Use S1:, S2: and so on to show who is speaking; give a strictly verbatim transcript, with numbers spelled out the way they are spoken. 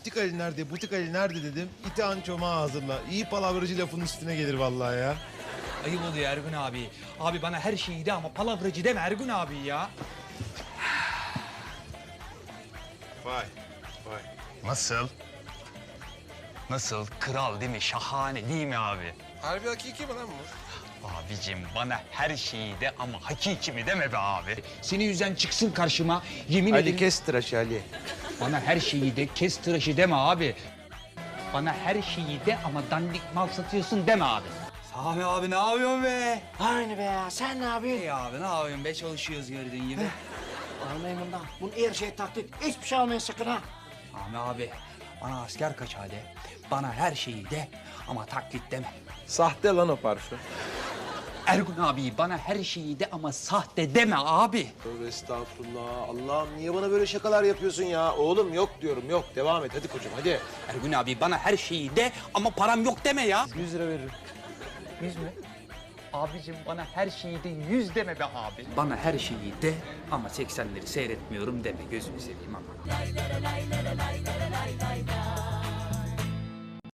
S1: Butik Ali nerede, butik Ali nerede dedim. İtihan çomağı hazırla. İyi palavracı lafın üstüne gelir vallahi ya.
S2: Ayıp oluyor Ergun abi. Abi bana her şeyi de ama palavracı deme Ergun abi ya.
S1: Vay, vay.
S3: Nasıl? Nasıl? Kral değil mi? Şahane değil mi abi?
S1: Harbi hakiki mi lan bu?
S3: Abicim bana her şeyi de ama hakiki mi deme be abi.
S2: Senin yüzden çıksın karşıma. Yemin
S1: Ali
S2: ederim.
S1: kes tıraşı Ali.
S2: Bana her şeyi de kes tıraşı deme abi. Bana her şeyi de ama dandik mal satıyorsun deme abi. Sami abi ne yapıyorsun be?
S4: Aynı be ya. Sen ne yapıyorsun?
S2: İyi abi ne yapıyorsun be? Çalışıyoruz gördüğün gibi.
S4: Almayın bundan. Bunun her şey taklit. Hiçbir şey almayın sakın ha.
S2: Sami abi bana asker kaçağı de. Bana her şeyi de ama taklit deme.
S1: Sahte lan o parfüm.
S2: Ergun abi bana her şeyi de ama sahte deme abi.
S1: Tövbe estağfurullah. Allah'ım niye bana böyle şakalar yapıyorsun ya? Oğlum yok diyorum yok. Devam et hadi koçum hadi.
S2: Ergun abi bana her şeyi de ama param yok deme ya.
S1: Yüz lira veririm.
S2: Yüz mü? Abicim bana her şeyi de yüz deme be abi. Bana her şeyi de ama seksenleri seyretmiyorum deme gözünü seveyim ama.